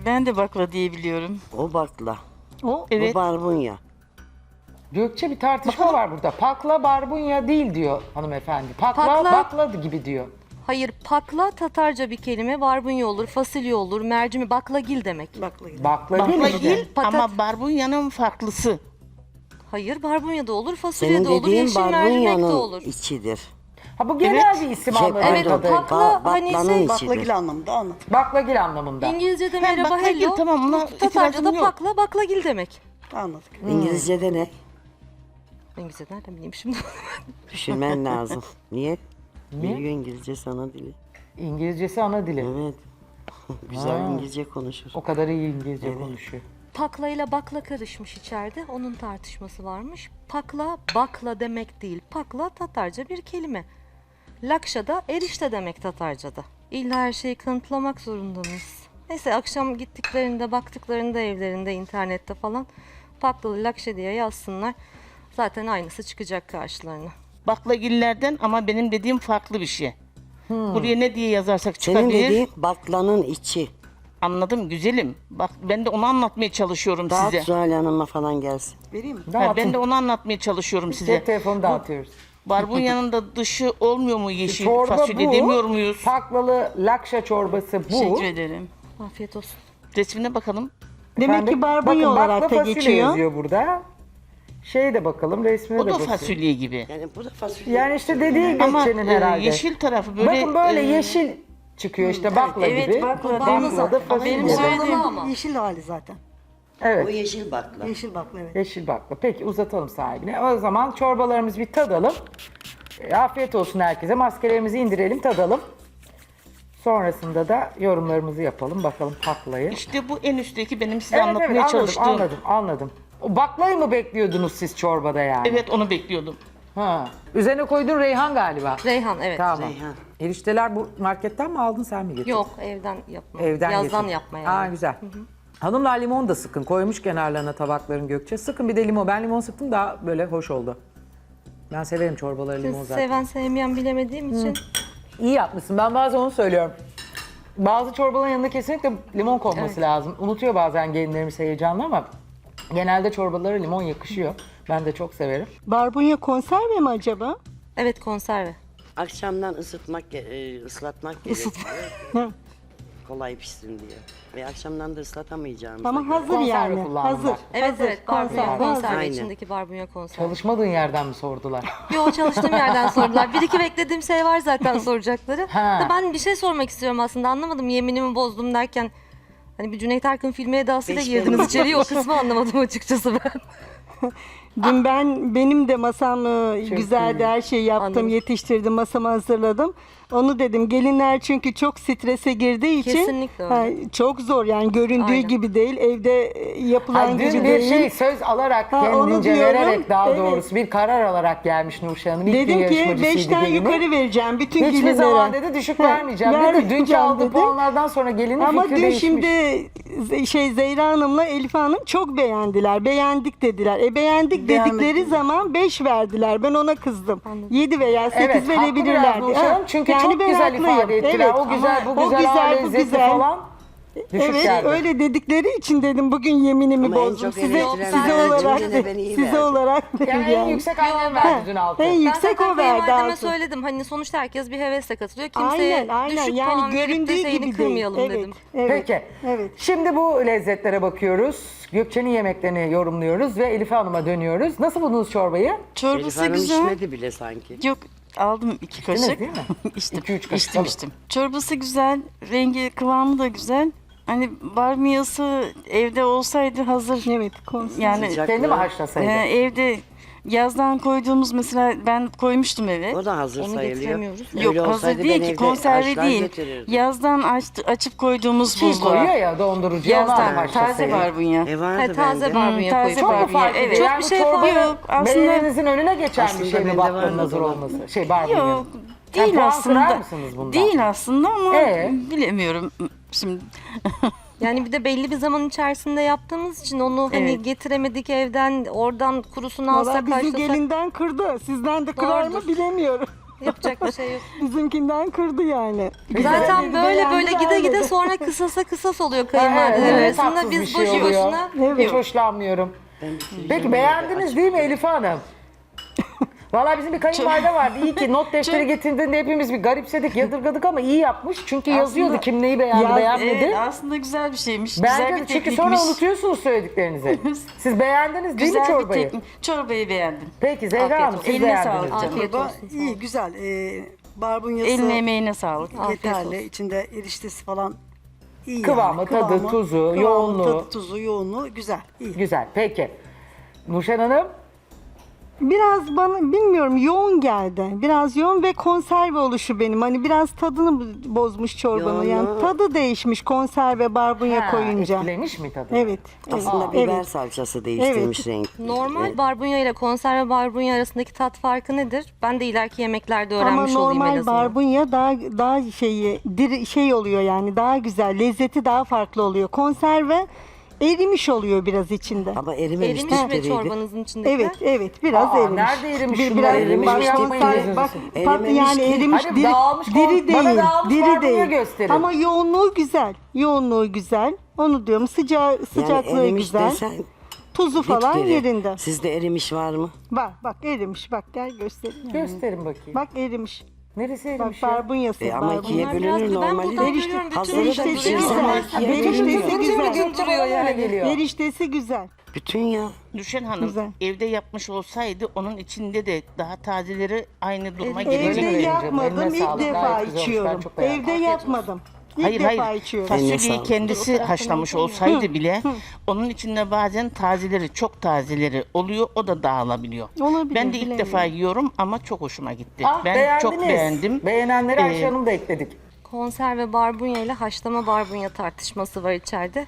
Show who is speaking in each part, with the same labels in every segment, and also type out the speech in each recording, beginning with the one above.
Speaker 1: Ben de bakla diye biliyorum.
Speaker 2: O bakla.
Speaker 3: O
Speaker 1: Evet.
Speaker 2: Bu barbunya.
Speaker 4: Gökçe bir tartışma var burada. Pakla barbunya değil diyor hanımefendi. Pakla bakla gibi diyor.
Speaker 5: Hayır, pakla Tatarca bir kelime. Barbunya olur, fasulye olur, mercimi, baklagil demek.
Speaker 3: baklagil.
Speaker 4: Bakla değil
Speaker 1: Bakla
Speaker 4: mi?
Speaker 1: değil
Speaker 5: Patat-
Speaker 1: ama barbunyanın farklısı.
Speaker 5: Hayır, barbunya da olur, fasulye
Speaker 2: Senin
Speaker 5: de olur,
Speaker 2: dediğin
Speaker 5: yeşil mercimek de
Speaker 2: barbunyanın
Speaker 5: olur.
Speaker 2: içidir.
Speaker 4: Ha bu genel
Speaker 1: Evet.
Speaker 4: bir isim
Speaker 2: Şey,
Speaker 4: anladığım
Speaker 5: Evet,
Speaker 4: kadarıyla.
Speaker 5: pakla hani
Speaker 2: baklanın
Speaker 5: şey,
Speaker 2: içidir.
Speaker 3: Baklagil anlamında anladım.
Speaker 4: Baklagil anlamında.
Speaker 5: İngilizce'de
Speaker 1: Ben
Speaker 5: merhaba,
Speaker 1: baklagil,
Speaker 5: hello.
Speaker 1: tamam, buna
Speaker 5: Tatarca'da
Speaker 1: itirazım yok.
Speaker 5: pakla, baklagil demek.
Speaker 3: Anladık.
Speaker 2: İngilizce'de ne?
Speaker 5: İngilizce nereden bileyim şimdi?
Speaker 2: Düşünmen lazım. Niye? Biliyor İngilizce sana dili.
Speaker 4: İngilizcesi ana dili.
Speaker 2: Evet. Güzel İngilizce konuşur.
Speaker 4: O kadar iyi İngilizce konuşuyor.
Speaker 5: Pakla ile bakla karışmış içeride. Onun tartışması varmış. Pakla, bakla demek değil. Pakla Tatarca bir kelime. Lakşa'da erişte demek Tatarca'da. İlla her şeyi kanıtlamak zorunda mıyız? Neyse akşam gittiklerinde, baktıklarında evlerinde, internette falan Paklalı Lakşa diye yazsınlar. Zaten aynısı çıkacak karşılarına.
Speaker 1: Baklagillerden ama benim dediğim farklı bir şey. Buraya ne diye yazarsak
Speaker 2: Senin
Speaker 1: çıkabilir.
Speaker 2: dediğin baklanın içi.
Speaker 1: Anladım güzelim. Bak ben de onu anlatmaya çalışıyorum
Speaker 2: Dağıt
Speaker 1: size.
Speaker 2: Zuhal Hanım'a falan gelsin.
Speaker 3: Vereyim mi?
Speaker 1: Ha, ben de onu anlatmaya çalışıyorum size.
Speaker 4: Cep telefonu dağıtıyoruz.
Speaker 1: Barbunyanın da dışı olmuyor mu yeşil
Speaker 4: Çorba
Speaker 1: fasulye
Speaker 4: bu.
Speaker 1: demiyor muyuz?
Speaker 4: Paklalı lakşa çorbası bu.
Speaker 1: Teşekkür ederim.
Speaker 5: Afiyet olsun.
Speaker 1: Resmine bakalım.
Speaker 3: Demek
Speaker 4: Efendim,
Speaker 3: ki barbunya
Speaker 4: bakın,
Speaker 3: olarak
Speaker 4: bakla
Speaker 3: da
Speaker 4: fasulye
Speaker 3: geçiyor.
Speaker 4: yazıyor burada. Şeye de bakalım, resmine
Speaker 1: O
Speaker 4: de
Speaker 1: da
Speaker 4: bakalım.
Speaker 1: fasulye gibi.
Speaker 2: Yani bu da fasulye.
Speaker 4: Yani işte dediği
Speaker 1: Ama
Speaker 4: Gökçe'nin herhalde.
Speaker 1: yeşil tarafı böyle...
Speaker 4: Bakın böyle
Speaker 1: e,
Speaker 4: yeşil çıkıyor işte bakla
Speaker 1: evet,
Speaker 4: gibi.
Speaker 1: bakla
Speaker 4: Bakla
Speaker 1: deniz-
Speaker 4: da fasulye.
Speaker 1: benim
Speaker 3: O
Speaker 1: söylediğim-
Speaker 3: anlamı yeşil hali zaten.
Speaker 2: O
Speaker 4: Evet.
Speaker 2: yeşil bakla.
Speaker 3: Yeşil bakla evet.
Speaker 4: Yeşil bakla. Peki uzatalım sahibine. O zaman çorbalarımızı bir tadalım. Afiyet olsun herkese. Maskelerimizi indirelim, tadalım. Sonrasında da yorumlarımızı yapalım. Bakalım baklayı.
Speaker 1: İşte bu en üstteki benim size
Speaker 4: Evet,
Speaker 1: anlatmaya
Speaker 4: evet, anladım,
Speaker 1: çalıştığım.
Speaker 4: anladım. O baklayı mı bekliyordunuz siz çorbada yani?
Speaker 1: Evet onu bekliyordum.
Speaker 4: Ha. Üzerine koyduğun reyhan galiba.
Speaker 5: Reyhan, evet.
Speaker 4: Tamam.
Speaker 2: Reyhan.
Speaker 4: Erişteler bu marketten mi aldın sen mi getirdin?
Speaker 5: Yok, evden yapma.
Speaker 4: Evden
Speaker 5: Yazdan
Speaker 4: getirdin.
Speaker 5: yapma yani.
Speaker 4: Ha güzel. Hanımlar limon da sıkın. Koymuş kenarlarına tabakların Gökçe. Sıkın bir de limon. Ben limon sıktım daha böyle hoş oldu. Ben severim çorbaları limon
Speaker 5: Siz
Speaker 4: zaten.
Speaker 5: seven sevmeyen bilemediğim için.
Speaker 4: İyi yapmışsın. Ben bazen onu söylüyorum. Bazı çorbaların yanında kesinlikle limon konması lazım. Unutuyor bazen gelinlerimiz heyecanlı ama genelde çorbalara limon yakışıyor. Ben de çok severim.
Speaker 3: Barbunya konserve mi acaba?
Speaker 5: Evet, konserve.
Speaker 2: Akşamdan ıslatmak gerekiyor.
Speaker 3: Hı.
Speaker 2: Kolay pişsin diye. Ve akşamdan da ıslatamayacağımıza
Speaker 3: Ama
Speaker 2: göre.
Speaker 3: hazır
Speaker 4: Konserve
Speaker 3: yani.
Speaker 4: kullandım
Speaker 3: Hazır.
Speaker 4: ben.
Speaker 5: Evet,
Speaker 3: hazır.
Speaker 5: evet, barbunya konserve.
Speaker 2: Aynen.
Speaker 5: İçindeki barbunya konserve.
Speaker 4: Çalışmadığın yerden mi sordular?
Speaker 5: Yo, çalıştığım yerden sordular. Bir iki beklediğim şey var zaten soracakları.
Speaker 4: Ha.
Speaker 5: Da ben bir şey sormak istiyorum aslında. Anlamadım, yeminimi bozdum derken. Hani bir Cüneyt Arkın filmi edasıyla
Speaker 2: Beş
Speaker 5: girdiniz
Speaker 2: benim.
Speaker 5: içeriye. O kısmı anlamadım açıkçası ben.
Speaker 3: Dün benim de masam güzeldi. Her şeyi yaptım,
Speaker 5: Anladım.
Speaker 3: yetiştirdim, masamı hazırladım. Onu dedim. Gelinler çünkü çok strese girdiği için
Speaker 5: Kesinlikle öyle.
Speaker 3: çok zor yani göründüğü
Speaker 5: Aynen.
Speaker 3: gibi değil. Evde yapılan
Speaker 4: Ay,
Speaker 3: gibi
Speaker 4: dün bir
Speaker 3: değil.
Speaker 4: şey söz alarak
Speaker 3: Ha, onu
Speaker 4: kendince
Speaker 3: diyorum.
Speaker 4: vererek daha
Speaker 3: Evet.
Speaker 4: doğrusu bir karar alarak gelmiş Nurşah Hanım. İlk gün
Speaker 3: Dedim ki
Speaker 4: yarışmacısıydı
Speaker 3: 5'ten
Speaker 4: gelini.
Speaker 3: yukarı vereceğim bütün
Speaker 4: Hiçbir
Speaker 3: gelinlere.
Speaker 4: zaman dedi düşük
Speaker 3: Ha,
Speaker 4: vermeyeceğim dedi. Dünkü
Speaker 3: vermeyeceğim
Speaker 4: aldığı
Speaker 3: dedi.
Speaker 4: puanlardan sonra gelinin
Speaker 3: Ama
Speaker 4: fikri
Speaker 3: dün
Speaker 4: değişmiş.
Speaker 3: şimdi Zehra Hanım'la Elif Hanım çok beğendiler. Beğendik dediler. Beğendik dedikleri zaman 5 verdiler. Ben ona kızdım. 7 veya 8
Speaker 4: Evet, haklı biraz
Speaker 3: verebilirlerdi.
Speaker 4: Nurşah Hanım. Çünkü
Speaker 3: Yani
Speaker 4: çok
Speaker 3: ben
Speaker 4: güzel
Speaker 3: haklıyım.
Speaker 4: ifade ettiler.
Speaker 3: Evet.
Speaker 4: O güzel, bu
Speaker 3: O
Speaker 4: güzel,
Speaker 3: güzel,
Speaker 4: o
Speaker 3: bu
Speaker 4: lezzeti
Speaker 3: güzel.
Speaker 4: falan. Düşük
Speaker 3: Evet,
Speaker 4: geldi.
Speaker 3: öyle dedikleri için dedim bugün yeminimi
Speaker 2: Ama en
Speaker 3: bozdum.
Speaker 2: çok
Speaker 3: Size
Speaker 2: eleştirilen
Speaker 3: olarak
Speaker 2: Cüneyt de beni iyi
Speaker 3: size
Speaker 2: verdi.
Speaker 3: olarak dedim
Speaker 4: Yani en yüksek annem verdi dün altı.
Speaker 3: En
Speaker 5: Ben
Speaker 3: yüksek
Speaker 5: zaten
Speaker 3: o verdi
Speaker 5: kayınvalideme
Speaker 3: altı.
Speaker 5: söyledim. Hani sonuçta herkes bir hevesle katılıyor. Kimseye
Speaker 3: Aynen
Speaker 5: düşük
Speaker 3: yani
Speaker 5: puan verip de
Speaker 3: göründüğü
Speaker 5: şeyini
Speaker 3: gibi
Speaker 5: kırmayalım
Speaker 3: değil.
Speaker 5: dedim.
Speaker 3: Evet.
Speaker 4: Peki.
Speaker 3: Evet.
Speaker 4: Şimdi bu lezzetlere bakıyoruz. Gökçe'nin yemeklerini yorumluyoruz ve Elif Hanım'a dönüyoruz. Nasıl buldunuz çorbayı?
Speaker 2: Elif
Speaker 1: Çorbası
Speaker 2: Hanım
Speaker 1: güzel.
Speaker 2: içmedi bile sanki.
Speaker 1: Yok aldım 2
Speaker 4: Değil mi,
Speaker 1: kaşık.
Speaker 4: değil mi?
Speaker 1: İçtim.
Speaker 4: 2-3 kaşık
Speaker 1: İçtim
Speaker 4: alın.
Speaker 1: içtim. Çorbası güzel. Rengi kıvamı da güzel. Hani barbunyası evde olsaydı hazır.
Speaker 3: Evet, konser.
Speaker 1: Yani
Speaker 2: Sıcak.
Speaker 4: Kendi mi haşlasaydı?
Speaker 1: evde yazdan koyduğumuz mesela ben koymuştum eve.
Speaker 2: O da hazır
Speaker 5: Onu
Speaker 2: sayılıyor.
Speaker 5: getiremiyoruz.
Speaker 1: Yok
Speaker 2: Öyle
Speaker 1: hazır
Speaker 2: olsaydı ben
Speaker 1: değil ki
Speaker 2: evde
Speaker 1: konserve
Speaker 2: haşlar
Speaker 1: değil.
Speaker 2: götürürdüm.
Speaker 1: Yazdan açıp koyduğumuz
Speaker 4: Çiğ
Speaker 1: buzluğa.
Speaker 4: koyuyor ya dondurucuya onu
Speaker 1: Yazdan
Speaker 4: haşlasaydı.
Speaker 1: taze barbunya.
Speaker 2: Vardı
Speaker 5: taze
Speaker 2: bende.
Speaker 5: barbunya
Speaker 1: taze
Speaker 5: koyup.
Speaker 4: Çok mu
Speaker 1: barbunya,
Speaker 4: fark ediyor?
Speaker 1: evet.
Speaker 4: Yani
Speaker 5: Çok
Speaker 4: bu
Speaker 5: bir şey fark
Speaker 4: çorbanın
Speaker 1: yok. Aslında-
Speaker 4: beğeninizin önüne geçen bir
Speaker 2: Aslında
Speaker 4: şey mi
Speaker 2: bende
Speaker 4: baklının
Speaker 2: vardı
Speaker 4: hazır
Speaker 2: da.
Speaker 4: olması? Barbunyanın.
Speaker 1: Yok
Speaker 4: Sen
Speaker 1: değil
Speaker 4: puan kırar
Speaker 1: aslında.
Speaker 4: mısınız bundan?
Speaker 1: Değil aslında ama bilemiyorum şimdi.
Speaker 5: Yani bir de belli bir zaman içerisinde yaptığımız için onu hani
Speaker 1: Evet.
Speaker 5: getiremedik evden, oradan kurusunu
Speaker 3: Valla
Speaker 5: alsak
Speaker 3: bizi
Speaker 5: haşlasak.
Speaker 3: gelinden kırdı. Sizden de kırar mı
Speaker 5: Doğrudur.
Speaker 3: bilemiyorum.
Speaker 5: Yapacak bir şey yok.
Speaker 3: Bizimkinden kırdı yani.
Speaker 5: Zaten
Speaker 3: dedi,
Speaker 5: böyle
Speaker 3: beğendi,
Speaker 5: gide
Speaker 3: beğenmedi.
Speaker 5: gide sonra kısasa kısas oluyor
Speaker 4: Ha,
Speaker 5: kayınvalideler
Speaker 4: evet,
Speaker 5: arasında.
Speaker 4: tatsız bir
Speaker 5: Biz
Speaker 4: şey
Speaker 5: boşu
Speaker 4: oluyor.
Speaker 5: boşuna
Speaker 3: Evet.
Speaker 4: Hiç hoşlanmıyorum. Peki beğendiniz değil mi Elif Hanım? Valla bizim bir kayınvalide vardı. İyi ki not defteri getirdiğinde hepimiz bir garipsedik, yadırgadık ama iyi yapmış. Çünkü yazıyordu kim neyi beğendi,
Speaker 3: Ya,
Speaker 4: beğenmedi.
Speaker 1: Evet, aslında güzel bir şeymiş. Güzel
Speaker 4: Bence
Speaker 1: bir
Speaker 4: de, çünkü
Speaker 1: teknikmiş.
Speaker 4: sonra unutuyorsunuz söylediklerinizi. Siz beğendiniz değil mi
Speaker 1: Güzel bir
Speaker 4: çorbayı?
Speaker 1: teknik. Çorbayı beğendim.
Speaker 4: Peki Zehra
Speaker 1: Afiyet
Speaker 4: Hanım
Speaker 1: olsun.
Speaker 4: siz
Speaker 1: Eline
Speaker 4: beğendiniz.
Speaker 1: sağlık
Speaker 4: mi?
Speaker 1: canım.
Speaker 5: Afiyet
Speaker 6: Çorba
Speaker 5: olsun.
Speaker 6: iyi, güzel. Barbunyası
Speaker 1: Eline emeğine sağlık.
Speaker 5: Afiyet
Speaker 6: yeterli.
Speaker 5: olsun.
Speaker 6: İçinde eriştesi falan iyi
Speaker 4: Kıvamı,
Speaker 6: yani.
Speaker 4: tadı, tuzu, yoğunluğu.
Speaker 6: Tadı, tuzu, yoğunluğu güzel, iyi.
Speaker 4: Güzel peki. Nurşen Hanım
Speaker 3: Biraz bana bilmiyorum yoğun geldi. Biraz yoğun ve konserve oluşu benim. Hani biraz tadını bozmuş çorbanın. Yani
Speaker 2: Yoğunluğu-
Speaker 3: tadı değişmiş konserve barbunya
Speaker 4: ha,
Speaker 3: koyunca.
Speaker 4: etkilemiş mi tadı?
Speaker 3: Evet. Evet.
Speaker 2: Aslında biber
Speaker 3: evet.
Speaker 2: salçası değiştirmiş renk.
Speaker 5: normal barbunya ile konserve barbunya arasındaki tat farkı nedir? Ben de ileriki yemeklerde
Speaker 3: Ama
Speaker 5: öğrenmiş olayım en
Speaker 3: normal
Speaker 5: azından.
Speaker 3: barbunya daha şey oluyor yani daha güzel. Lezzeti daha farklı oluyor. Konserve erimiş oluyor biraz içinde.
Speaker 2: Ama erimemiş
Speaker 5: Erimiş mi
Speaker 2: dipleriydi.
Speaker 5: çorbanızın içindekiler?
Speaker 3: Evet, evet biraz
Speaker 4: Aa,
Speaker 3: erimiş.
Speaker 4: nerede erimiş
Speaker 3: Bir-
Speaker 4: şunlar?
Speaker 3: biraz
Speaker 4: Erimiş mi?
Speaker 3: bak,
Speaker 4: Yapmayın
Speaker 3: konserve-
Speaker 4: gözünüzü
Speaker 3: bak,
Speaker 2: seveyim.
Speaker 3: tatlı yani
Speaker 2: Erimemiş ki.
Speaker 3: erimiş
Speaker 4: Hani
Speaker 3: diri,
Speaker 4: dağılmış
Speaker 3: diri
Speaker 4: bana
Speaker 3: değil.
Speaker 4: dağılmış
Speaker 3: Diri
Speaker 4: barbunya
Speaker 3: değil.
Speaker 4: gösterin.
Speaker 3: Ama yoğunluğu güzel. Yoğunluğu güzel. Onu diyorum. Sıcaklığı
Speaker 2: erimiş
Speaker 3: güzel.
Speaker 2: desen
Speaker 3: Tuzu falan
Speaker 2: dipdiri.
Speaker 3: yerinde.
Speaker 2: Sizde erimiş var mı?
Speaker 3: Bak erimiş. Bak gel göstereyim.
Speaker 4: Gösterin bakayım.
Speaker 3: Bak erimiş.
Speaker 4: Neresi
Speaker 3: Bak
Speaker 4: erimiş ya?
Speaker 3: barbunyası.
Speaker 2: Ama
Speaker 3: barbunya.
Speaker 2: ikiye
Speaker 5: Bunlar biraz
Speaker 2: bölünür
Speaker 5: ben
Speaker 2: normali.
Speaker 5: buradan
Speaker 3: Erişte-
Speaker 5: görüyorum. Bütün
Speaker 2: hazırı da
Speaker 5: erişte
Speaker 2: pişirsen
Speaker 5: duruyor.
Speaker 2: ikiye
Speaker 3: Eriştesi
Speaker 2: bölünür.
Speaker 3: güzel.
Speaker 4: Duruyor yani geliyor.
Speaker 3: Eriştesi güzel.
Speaker 2: Bütün ya.
Speaker 1: Nurşen Hanım
Speaker 3: Güzel.
Speaker 1: evde yapmış olsaydı onun içinde de daha tazeleri aynı duruma
Speaker 5: Evet.
Speaker 1: gelecek.
Speaker 4: Öyle
Speaker 3: Evde
Speaker 4: mi canım?
Speaker 3: yapmadım.
Speaker 4: Eline
Speaker 3: İlk
Speaker 4: sağlık.
Speaker 3: defa
Speaker 4: Gayet güzel olmuş. Ben
Speaker 3: içiyorum.
Speaker 4: çok beğendim.
Speaker 3: Evde
Speaker 4: Afiyet
Speaker 3: yapmadım. İlk
Speaker 1: Hayır
Speaker 3: defa
Speaker 1: hayır.
Speaker 3: içiyorum.
Speaker 2: Eline
Speaker 1: Fasulyeyi
Speaker 2: sağlık.
Speaker 1: kendisi haşlamış olsaydı bile onun içinde bazen tazeleri, çok tazeleri oluyor. O da dağılabiliyor.
Speaker 3: Olabilir,
Speaker 1: Ben de ilk
Speaker 3: bilemiyorum.
Speaker 1: defa yiyorum ama çok hoşuma gitti.
Speaker 4: Ah,
Speaker 1: Ben
Speaker 4: beğendiniz.
Speaker 1: çok beğendim.
Speaker 4: Beğenenleri Ayşe
Speaker 1: Ee,
Speaker 4: Hanım da ekledik.
Speaker 5: Konserve barbunya ile haşlama barbunya tartışması var içeride.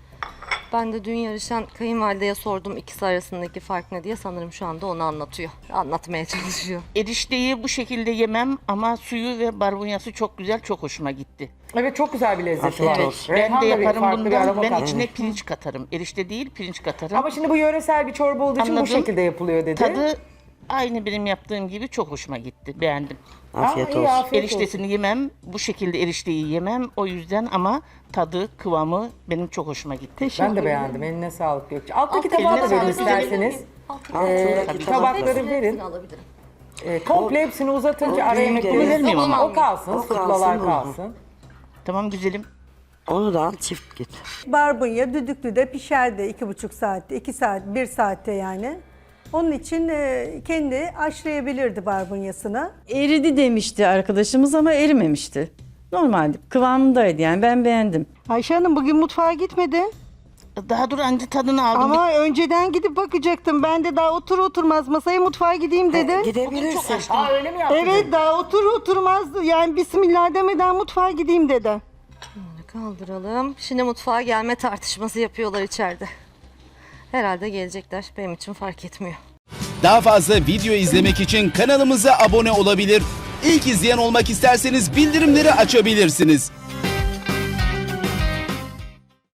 Speaker 5: Ben de dün yarışan kayınvalideye sordum ikisi arasındaki fark ne diye. Sanırım şu anda onu anlatıyor. Anlatmaya çalışıyor.
Speaker 1: Erişteyi bu şekilde yemem ama suyu ve barbunyası çok güzel, çok hoşuma gitti.
Speaker 4: Evet çok güzel bir lezzeti
Speaker 2: Afiyet
Speaker 4: var.
Speaker 2: olsun.
Speaker 1: Ben
Speaker 4: Reyhan
Speaker 1: de
Speaker 4: da bir
Speaker 1: yaparım
Speaker 4: farklı bir
Speaker 1: bundan.
Speaker 4: aroma
Speaker 1: Ben
Speaker 4: katmış.
Speaker 1: içine pirinç katarım. Erişte değil, pirinç katarım.
Speaker 4: Ama şimdi bu yöresel bir çorba olduğu için bu
Speaker 1: Anladım.
Speaker 4: şekilde yapılıyor dedi.
Speaker 1: Tadı aynı benim yaptığım gibi çok hoşuma gitti. Beğendim.
Speaker 2: Afiyet
Speaker 4: iyi,
Speaker 2: olsun.
Speaker 4: afiyet olsun.
Speaker 1: Eriştesini yemem, bu şekilde erişteyi yemem. O yüzden ama tadı, kıvamı benim çok hoşuma gitti.
Speaker 3: Teşekkür
Speaker 4: Ben de
Speaker 3: ederim.
Speaker 4: beğendim. Eline sağlık Gökçe. Alttaki
Speaker 5: Alttaki
Speaker 4: tabağı da
Speaker 1: eline
Speaker 4: verin
Speaker 1: sağlık.
Speaker 4: isterseniz.
Speaker 2: Altındaki
Speaker 4: Tabakları verin.
Speaker 5: Alabilirim.
Speaker 4: Komple hepsini uzatınca ara yemek
Speaker 2: büyük
Speaker 1: gelir miyim ama?
Speaker 4: O kalsın,
Speaker 2: O
Speaker 4: suplalar
Speaker 2: kalsın,
Speaker 4: kalsın.
Speaker 1: Tamam güzelim.
Speaker 2: Onu da al çift git.
Speaker 7: Barbunya düdüklüde pişerdi 2,5 saatte, 2 saat, 1 saatte yani. Onun için kendi haşlayabilirdi barbunyasını.
Speaker 8: Eridi demişti arkadaşımız ama erimemişti. Normaldi. Kıvamındaydı yani ben beğendim.
Speaker 3: Ayşe Hanım bugün mutfağa gitmedin.
Speaker 1: Daha dur anca tadını aldım.
Speaker 3: Ama önceden gidip bakacaktım. Ben de daha oturmaz masaya mutfağa gideyim dedim.
Speaker 2: Gidebilirsin.
Speaker 4: Aa öyle mi yaptın?
Speaker 3: Evet daha oturmaz yani bismillah demeden mutfağa gideyim dedi.
Speaker 5: Kaldıralım. Şimdi mutfağa gelme tartışması yapıyorlar içeride. Herhalde gelecekler. Benim için fark etmiyor.
Speaker 9: Daha fazla video izlemek için kanalımıza abone olabilir. İlk izleyen olmak isterseniz bildirimleri açabilirsiniz.